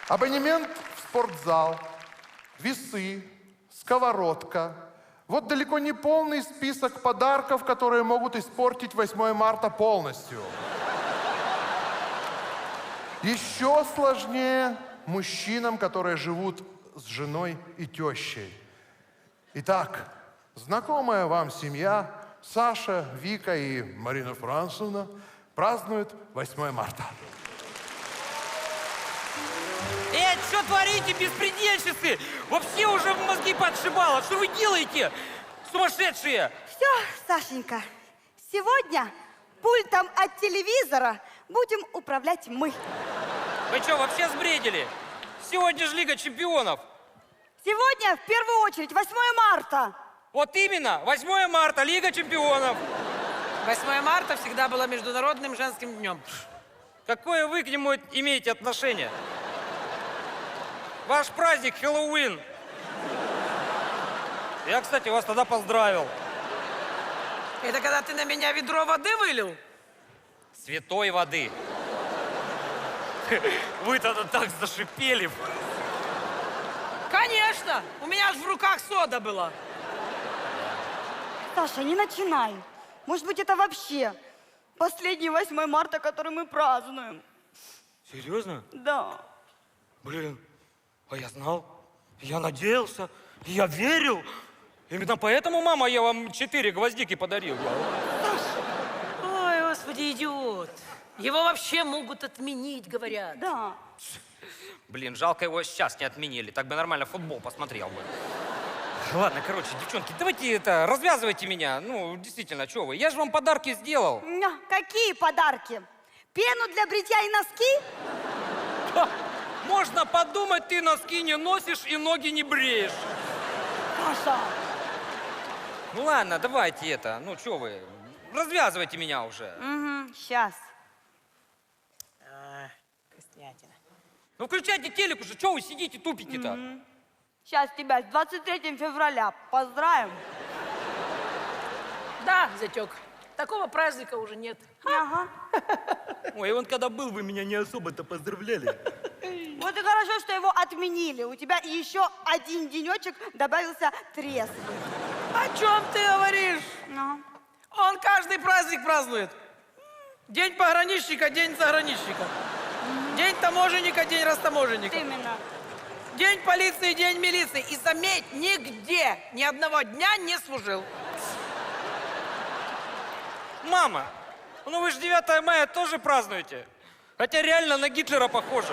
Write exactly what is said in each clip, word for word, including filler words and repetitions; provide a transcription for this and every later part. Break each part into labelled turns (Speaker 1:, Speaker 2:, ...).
Speaker 1: Абонемент в спортзал, весы, сковородка. Вот далеко не полный список подарков, которые могут испортить восьмое марта полностью. Еще сложнее мужчинам, которые живут с женой и тещей. Итак, знакомая вам семья Саша, Вика и Марина Францевна празднуют восьмое марта.
Speaker 2: Эй, что творите, беспредельщицы? Вообще уже в мозги подшибало. Что вы делаете, сумасшедшие?
Speaker 3: Все, Сашенька, сегодня пультом от телевизора будем управлять мы.
Speaker 2: Вы что, вообще сбредили? Сегодня же Лига чемпионов.
Speaker 3: Сегодня, в первую очередь, восьмое марта.
Speaker 2: Вот именно, восьмое марта, Лига чемпионов.
Speaker 4: восьмое марта всегда было международным женским днем.
Speaker 2: Какое вы к нему имеете отношение? Ваш праздник Хэллоуин. Я, кстати, вас тогда поздравил.
Speaker 4: Это когда ты на меня ведро воды вылил?
Speaker 2: Святой воды. Вы тогда так зашипели.
Speaker 4: Конечно! У меня же в руках сода была.
Speaker 3: Саша, не начинай. Может быть, это вообще последний восьмое марта, который мы празднуем.
Speaker 2: Серьезно?
Speaker 3: Да.
Speaker 2: Блин, а я знал, я надеялся, я верил. Именно поэтому, мама, я вам четыре гвоздики подарил.
Speaker 4: Ой, господи, идиот. Его вообще могут отменить, говорят.
Speaker 3: Да.
Speaker 2: Блин, жалко его сейчас не отменили, так бы нормально футбол посмотрел бы. Ладно, короче, девчонки, давайте это, развязывайте меня. Ну, действительно, что вы, я же вам подарки сделал.
Speaker 3: Ня, какие подарки? Пену для бритья и носки?
Speaker 2: Ха, можно подумать, ты носки не носишь и ноги не бреешь.
Speaker 3: Саша.
Speaker 2: Ну ладно, давайте это, ну что вы, развязывайте меня уже.
Speaker 3: Угу, сейчас.
Speaker 4: А, вкуснятина.
Speaker 2: Ну включайте телек уже, что вы сидите, тупите-то?
Speaker 3: Угу. Сейчас тебя с двадцать третьим февраля поздравим.
Speaker 4: Да, зятек, такого праздника уже нет.
Speaker 3: Ага.
Speaker 2: Ой, он когда был, вы меня не особо-то поздравляли.
Speaker 3: Вот и хорошо, что его отменили. У тебя еще один денечек добавился трезвый.
Speaker 4: О чем ты говоришь?
Speaker 3: Ну.
Speaker 4: Он каждый праздник празднует. День пограничника, день заграничника. День таможенника, день растаможенника.
Speaker 3: Именно.
Speaker 4: День полиции, день милиции. И заметь, нигде ни одного дня не служил.
Speaker 2: Мама, ну вы же девятое мая тоже празднуете. Хотя реально на Гитлера похоже.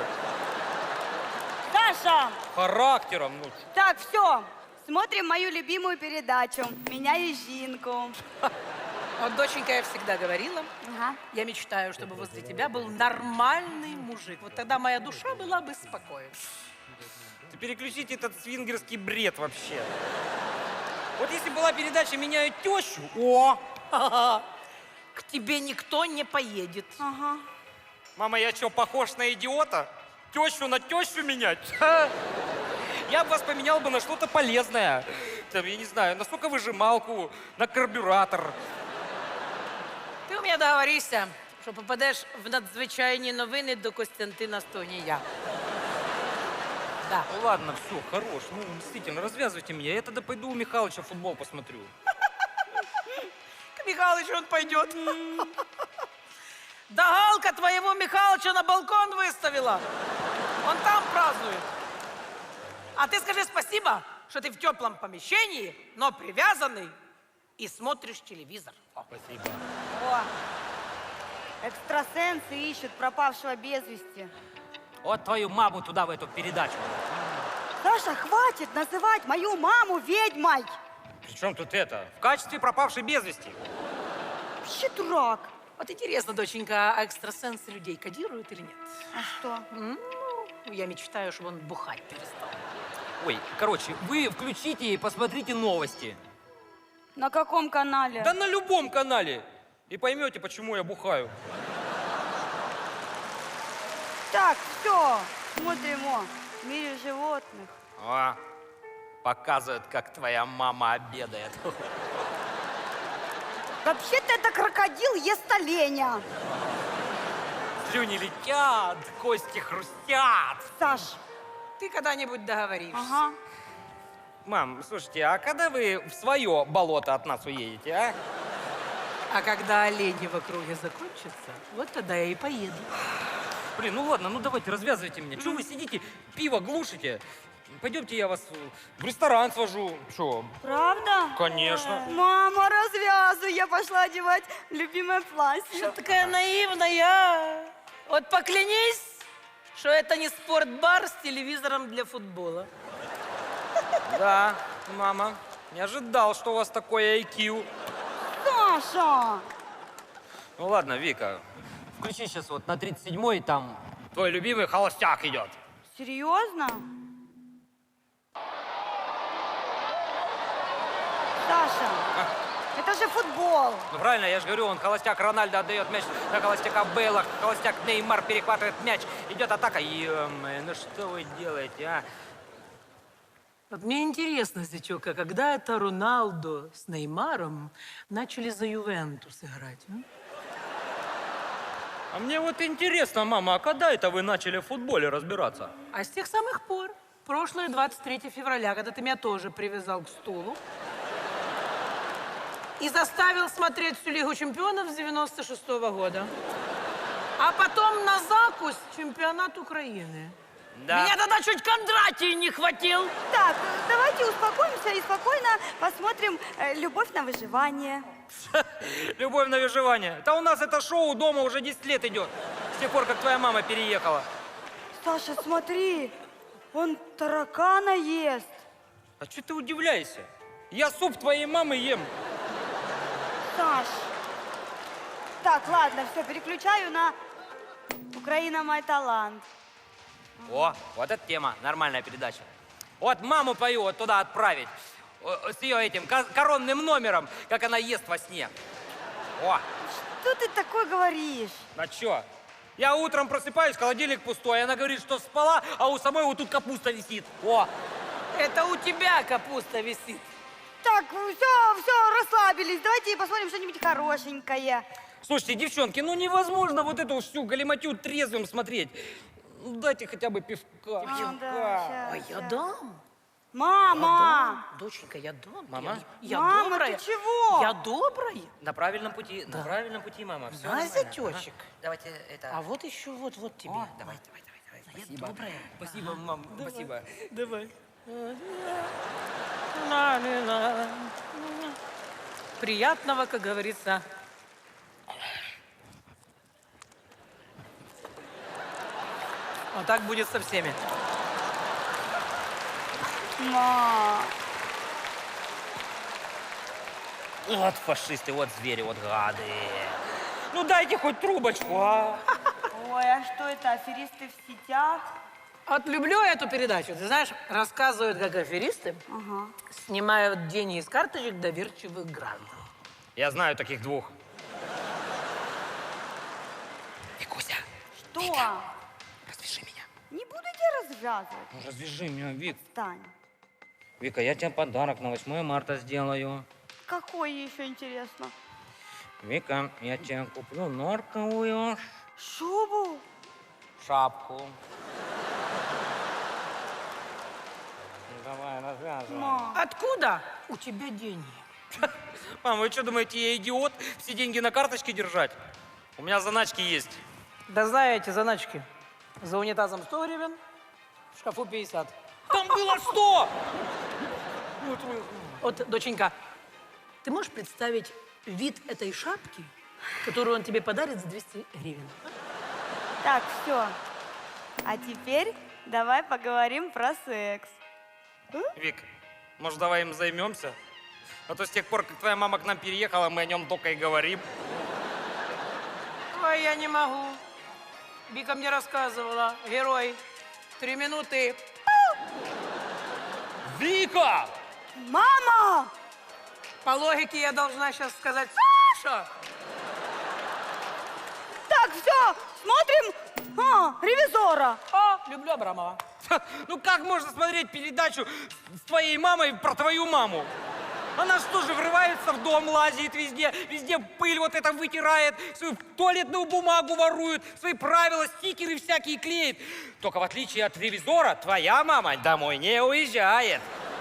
Speaker 3: Саша!
Speaker 2: Характером, ну.
Speaker 3: Так, все. Смотрим мою любимую передачу «Меня и Жинку».
Speaker 4: Вот, доченька, я всегда говорила,
Speaker 3: Ага.
Speaker 4: я мечтаю, чтобы возле тебя был нормальный мужик. Вот тогда моя душа была бы спокойна.
Speaker 2: Ты переключите этот свингерский бред вообще. Вот если была передача «Меняют тещу», о!
Speaker 4: К тебе никто не поедет.
Speaker 3: Ага.
Speaker 2: Мама, я что, похож на идиота? Тещу на тещу менять? Ха! Я бы вас поменял бы на что-то полезное. Там, я не знаю, на соковыжималку, на карбюратор.
Speaker 4: Ти у мене договоришся, що попадеш в надзвичайні новини до Костянтина Стогнія. Да.
Speaker 2: Ну ладно, все, хорош. Ну, действительно, развязывайте меня. Я тогда пойду у Михалыча футбол посмотрю.
Speaker 4: К Михалычу он пойдет. Да Галка твоего Михалыча на балкон выставила. Он там празднует. А ты скажи спасибо, что ты в теплом помещении, но привязанный и смотришь телевизор. О.
Speaker 2: Спасибо.
Speaker 3: О, экстрасенсы ищут пропавшего без вести.
Speaker 2: Вот твою маму туда, в эту передачу.
Speaker 3: Саша, хватит называть мою маму ведьмой.
Speaker 2: Причем тут это? В качестве пропавшей без вести.
Speaker 3: Вообще дурак.
Speaker 4: Вот интересно, доченька, а экстрасенсы людей кодируют или нет?
Speaker 3: А что?
Speaker 4: Ну, я мечтаю, чтобы он бухать перестал.
Speaker 2: Ой, короче, вы включите и посмотрите новости.
Speaker 3: На каком канале?
Speaker 2: Да на любом канале. И поймете, почему я бухаю.
Speaker 3: Так, все. Смотрим о в мире животных.
Speaker 2: А, показывает, как твоя мама обедает.
Speaker 3: Вообще-то это крокодил ест оленя.
Speaker 2: Слюни летят, кости хрустят.
Speaker 3: Саш,
Speaker 4: Ты когда-нибудь договоришься.
Speaker 3: Ага.
Speaker 2: Мам, слушайте, а когда вы в свое болото от нас уедете, а?
Speaker 4: А когда олени в округе закончатся, вот тогда я и поеду.
Speaker 2: Блин, ну ладно, ну давайте, развязывайте меня. Чего вы сидите, пиво глушите? Пойдемте, я вас в ресторан свожу. Че?
Speaker 3: Правда?
Speaker 2: Конечно.
Speaker 3: Мама, развязывай. Я пошла одевать любимое платье.
Speaker 4: Что такая наивная? Вот поклянись, что это не спортбар с телевизором для футбола.
Speaker 2: Да, мама, не ожидал, что у вас такой ай кью.
Speaker 3: Саша!
Speaker 2: Ну ладно, Вика, включи сейчас вот на тридцать седьмой, там твой любимый холостяк идет.
Speaker 3: Серьезно? Саша, это же футбол.
Speaker 2: Ну правильно, я же говорю, он холостяк Рональдо отдает мяч на холостяка Бейла, холостяк Неймар перехватывает мяч, идет атака. Ё-моё, ну что вы делаете, а?
Speaker 4: Вот мне интересно, зятёк, а когда это Роналдо с Неймаром начали за Ювентус играть? А?
Speaker 2: А мне вот интересно, мама, а когда это вы начали в футболе разбираться?
Speaker 4: А с тех самых пор, прошлое двадцать третьего февраля, когда ты меня тоже привязал к стулу и заставил смотреть всю Лигу чемпионов с девяносто шестого года. А потом на закусь чемпионат Украины.
Speaker 2: Да.
Speaker 4: Меня тогда чуть Кондратий не хватил.
Speaker 3: Так, давайте успокоимся и спокойно посмотрим э, «Любовь на выживание».
Speaker 2: Любовь на выживание. Да у нас это шоу дома уже десять лет идет. С тех пор, как твоя мама переехала.
Speaker 3: Саша, смотри, он таракана ест.
Speaker 2: А что ты удивляешься? Я суп твоей мамы ем.
Speaker 3: Саш. Так, ладно, все, переключаю на «Украина мой талант».
Speaker 2: О, вот эта тема, нормальная передача. Вот маму пою вот туда отправить. О, с ее этим ко- коронным номером, как она ест во сне. О,
Speaker 3: Что ты такое говоришь?
Speaker 2: а чё? Я утром просыпаюсь, холодильник пустой, она говорит, что спала, а у самой вот тут капуста висит. О,
Speaker 4: Это у тебя капуста висит.
Speaker 3: Так, все, все, расслабились. Давайте посмотрим что-нибудь хорошенькое.
Speaker 2: слушайте, девчонки, ну невозможно вот эту всю галиматью трезвым смотреть. Ну, дайте хотя бы пивка.
Speaker 3: А,
Speaker 2: пивка.
Speaker 3: да,
Speaker 4: Ой,
Speaker 3: щас,
Speaker 4: я
Speaker 3: щас.
Speaker 4: дам.
Speaker 3: Мама!
Speaker 4: Доченька, я дам.
Speaker 2: Мама?
Speaker 4: Я, я
Speaker 3: Мама,
Speaker 4: добрая.
Speaker 3: ты чего?
Speaker 4: Я добрая.
Speaker 2: На правильном пути, на правильном пути, мама. Все
Speaker 4: На, зятёчек.
Speaker 2: Давайте это...
Speaker 4: А вот еще вот, вот тебе.
Speaker 2: О, давай, давай, давай, давай.
Speaker 4: Я
Speaker 2: Спасибо.
Speaker 4: добрая.
Speaker 2: Спасибо, мам, спасибо.
Speaker 4: Давай. Приятного, как говорится. Вот так будет со всеми.
Speaker 3: Ма.
Speaker 2: Вот фашисты, вот звери, вот гады. Ну дайте хоть трубочку, а?
Speaker 3: Ой, а что это, аферисты в сетях?
Speaker 4: Вот люблю эту передачу. Ты знаешь, рассказывают, как аферисты
Speaker 3: Ага.
Speaker 4: снимают деньги из карточек доверчивых граждан.
Speaker 2: Я знаю таких двух. Викуся,
Speaker 3: Что?
Speaker 2: развяжи меня.
Speaker 3: Не буду тебя развязывать.
Speaker 2: Ну, развяжи меня, Вик.
Speaker 3: Стань.
Speaker 2: Вика, я тебе подарок на восьмое марта сделаю.
Speaker 3: Какой еще интересно?
Speaker 2: Вика, я тебе куплю норковую
Speaker 3: Шубу?
Speaker 2: шапку. Ну, давай, развязывай.
Speaker 3: Ма.
Speaker 4: Откуда у тебя деньги?
Speaker 2: Мам, вы что думаете, я идиот? Все деньги на карточке держать? У меня заначки есть.
Speaker 4: Да знаете, заначки. За унитазом сто гривен, в шкафу пятьдесят.
Speaker 2: Там было сто!
Speaker 4: Вот, доченька, ты можешь представить вид этой шапки, которую он тебе подарит за двести гривен?
Speaker 3: Так, все. А теперь давай поговорим про секс.
Speaker 2: Вик, может, давай им займемся? А то с тех пор, как твоя мама к нам переехала, мы о нем только и говорим.
Speaker 4: Ой, я не могу. Вика мне рассказывала, герой, три минуты.
Speaker 2: Вика!
Speaker 3: Мама!
Speaker 4: По логике я должна сейчас сказать, Саша!
Speaker 3: Так, все, смотрим а, ревизора.
Speaker 4: О, люблю Абрамова.
Speaker 2: Ну как можно смотреть передачу с твоей мамой про твою маму? Она что же, врывается в дом, лазит везде, везде пыль вот это вытирает, свою туалетную бумагу ворует, свои правила, стикеры всякие клеит. Только в отличие от ревизора, твоя мама домой не уезжает.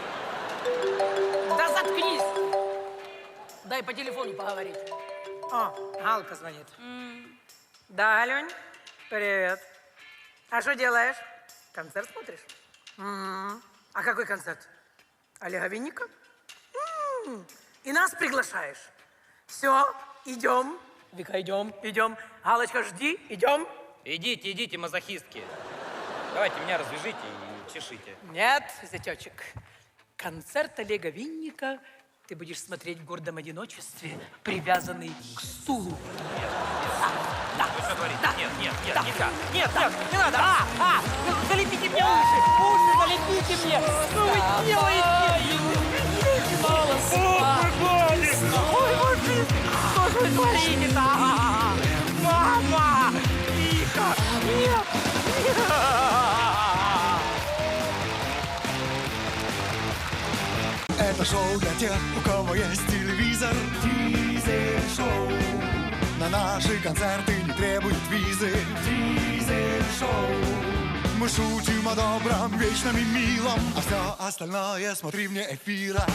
Speaker 4: Да заткнись! Дай по телефону поговорить. О, Галка звонит. Да, Алёнь, привет. А что делаешь? Концерт смотришь? М. А какой концерт? Олега Винника? М. И нас приглашаешь? Все, идем. Вика, идем, идем. Галочка, жди, идем.
Speaker 2: Идите, идите, мазохистки. Давайте меня развяжите и чешите.
Speaker 4: Нет, зятечек. Концерт Олега Винника ты будешь смотреть в гордом одиночестве, привязанный к стулу. Да,
Speaker 2: Вы что говорите?
Speaker 4: да,
Speaker 2: Нет, нет, нет,
Speaker 4: да.
Speaker 2: нельзя. Нет, нет, не надо. А, а, ну, залепите мне уши. Уши залепите мне. Что вы делаете? Ой, мужик, что же вы творите-то? Мама! Тихо! Нет! Нет!
Speaker 5: Это шоу для тех, у кого есть телевизор. Дизель-шоу. На наши концерты не требуют визы. Дизель-шоу. Мы шутим о добром, вечном и милом, а все остальное смотри вне эфира.